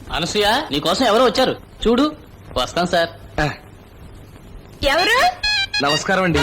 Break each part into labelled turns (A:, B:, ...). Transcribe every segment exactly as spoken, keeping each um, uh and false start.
A: అనసూయ నీకోసం ఎవరో వచ్చారు చూడు. వస్తాను సార్.
B: ఎవరు?
C: నమస్కారం అండి.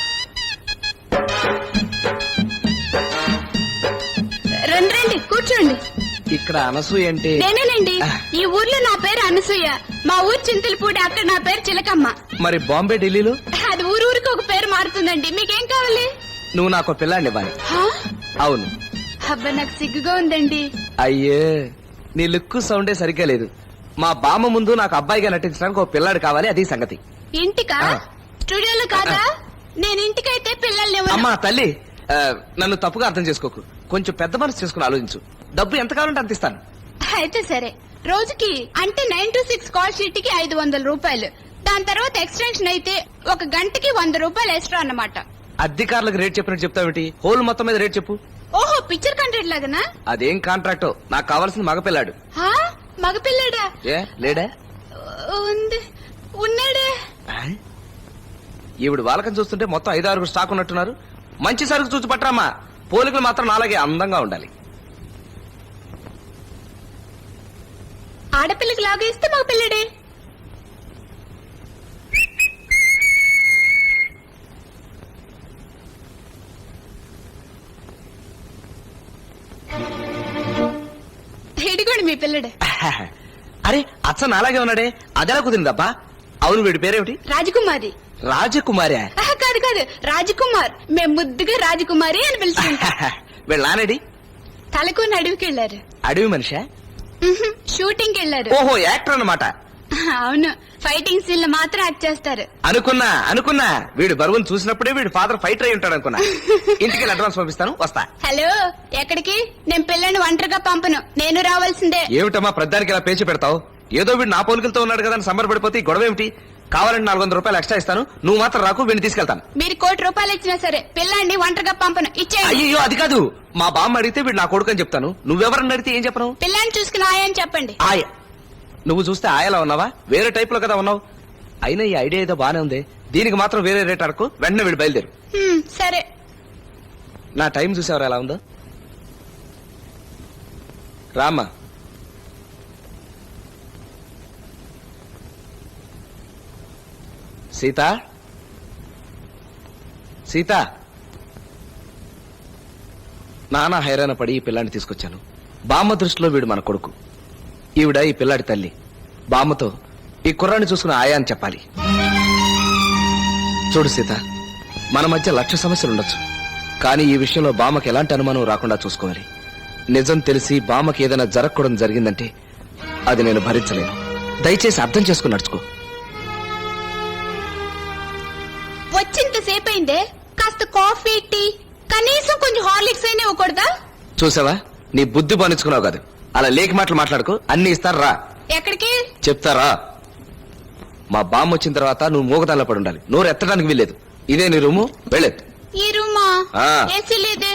B: రండి రండి కూర్చోండి.
C: ఇక్కడ అనసూయ అంటే
B: నేనేనండి. ఈ ఊర్లో నా పేరు అనసూయ. మా ఊరు చింతలపూడి, అక్కడ నా పేరు చిలకమ్మ.
C: మరి బాంబే ఢిల్లీలో?
B: అది ఊరు ఊరికి ఒక పేరు మారుతుందండి. మీకేం కావాలి?
C: నువ్వు నాకు పిల్లాడిని ఇవ్వాలి.
B: హా?
C: అవును.
B: అబ్బా నాకు సిగ్గుగా ఉందండి.
C: అయ్యే నీ లుక్ సౌండే సరిగ్గా లేదు. మా బామ్మ ముందు నాకు అబ్బాయిగా నటించడానికి ఒక పిల్లాడు కావాలి, అది సంగతి.
B: ఇంటికా? స్టూడియోలో కాదా? నేను ఇంటికైతే పిల్లల్ని
C: అమ్మా తల్లి, ఆ, నన్ను తప్పుగా అర్థం చేసుకోకు. కొంచెం పెద్ద మనసు చేసుకుని ఆలోచించు. డబ్బు ఎంత కావాలంటే అంత ఇస్తాను.
B: అయితే సరే. రోజుకి అంటే nine to six call sheet కి ఐదు వందల రూపాయలు. దాని తర్వాత ఎక్స్టెన్షన్ అయితే ఒక గంటకి వంద రూపాయలు ఎక్స్ట్రా అన్నమాట.
C: అధికారులకు రేట్ చెప్పినట్టు చెప్తావేంటి? హోల్ మొత్తం మీద రేట్ చెప్పు.
B: ఓహో, పిక్చర్ కాంట్రాక్ట్ లాగనా?
C: అదేం కాంట్రాక్టో, నాకు కావాల్సిన మగపిల్లాడు.
B: హా? మగపిల్లడా?
C: ఏ లేడా?
B: ఉంది. ఉన్నాడే.
C: ఈవిడ వాళ్ళకని చూస్తుంటే మొత్తం ఐదు ఆరుగురు స్టాక్ ఉన్నట్టున్నారు. మంచి సరుకు చూసి పట్టరామా. పోలికలు మాత్రం నాలాగే అందంగా ఉండాలి.
B: ఆడపిల్లకి లాగా ఇస్తే మగపిల్లడే. ఇదిగోండి మీ పిల్లడే.
C: అరే అచ్చ నాలాగే ఉన్నాడే, అదెలా కుదిరిందబ్బా? అవును, వీడి పేరేమిటి?
B: రాజకుమారి.
C: రాజకుమారి?
B: ఆహా, కాదు కాదు, రాజకుమార్. మేము ముద్దుగా రాజకుమారి అని పిలుచుకుంటాం.
C: వీళ్ళ నానేడి?
B: తలకొని అడవికి వెళ్లారు.
C: అడవి మనిషా?
B: షూటింగ్ కి వెళ్లారు.
C: ఓహో, యాక్టర్ అన్నమాట.
B: అవును, ఫైటింగ్ సీన్ లో మాత్రం యాక్ట్ చేస్తారు.
C: అనుకున్నా అనుకున్నా వీడు బరువును చూసినప్పుడే వీడు ఫాదర్ ఫైటర్ అయి ఉంటాడు అనుకున్నా. ఇంటికి అడ్వాన్స్ పంపిస్తాను, వస్తా.
B: హలో, ఎక్కడికి? నేను పిల్లని ఒంటరిగా పంపను, నేను రావాల్సిందే.
C: ఏమిటమ్మా ప్రధానికి ఇలా పేచి పెడతావు? ఏదో వీడు నా పోలికలతో ఉన్నాడు కదా అని సంబరపడిపోతే ఈ గొడవ ఏమిటి? కావాలంటే నాలుగు వందల రూపాయలు ఎక్స్ట్రా ఇస్తాను, నువ్వు మాత్రం రాకు, వీడిని తీసుకెళ్తాను.
B: మీరు కోటి రూపాయలు ఇచ్చినా సరే పిల్లాన్ని ఒంటరిగా పంపను, ఇచ్చేయండి.
C: అయ్యో అది కాదు, మా బామ్మ అడిగితే వీడు నా కొడుకు అని చెప్తాను. నువ్వెవరని అడిగితే ఏం చెప్పను?
B: పిల్లాన్ని చూసుకుని ఆయని చెప్పండి.
C: ఆయ నువ్వు చూస్తే ఆయలా ఉన్నావా? వేరే టైప్ లో కదా ఉన్నావు. అయినా ఈ ఐడియా ఏదో బానే ఉంది. దీనికి మాత్రం వేరే రేట్ అరకు. వెంటనే వీడు బయలుదేరు.
B: హ్మ్, సరే.
C: నా టైం చూసేవారు ఎలా ఉందో. రామ్మా. సీత, సీత. నానా హైరాణ పడి ఈ పిల్లాన్ని తీసుకొచ్చాను. బామ్మ దృష్టిలో వీడు మన కొడుకు, ఈవిడ ఈ పిల్లాడి తల్లి. బామ్మతో ఈ కుర్రాన్ని చూసుకుని ఆయా అని చెప్పాలి. చూడు సీత, మన మధ్య లక్ష సమస్యలు ఉండొచ్చు, కానీ ఈ విషయంలో బామ్మకి ఎలాంటి అనుమానం రాకుండా చూసుకోవాలి. నిజం తెలిసి బామ్మకి ఏదైనా జరగకూడదు జరిగిందంటే అది నేను భరించలేను. దయచేసి అర్థం చేసుకుని నడుచుకో.
B: వచ్చింత సేపు అయిందే, కాస్త కాఫీ టీ కనీసం కొంచెం హార్లిక్స్ అయినా ఇవ్వకూడదా?
C: చూసావా, నీ బుద్ధి బానించుకున్నావు కాదు. అలా లేకి మాటలు మాట్లాడుకో. అన్ని ఇస్తారు, రా.
B: ఎక్కడికి?
C: చెప్తారా? మా బామ్మ వచ్చిన తర్వాత నువ్వు మూగదాల్లో పడి ఉండాలి. నోరు ఎత్తడానికి వీల్లేదు. ఇదే నీ రూము, వెళ్ళేది.
B: ఈ రూమా?
C: ఆ.
B: ఏసీ లేదే.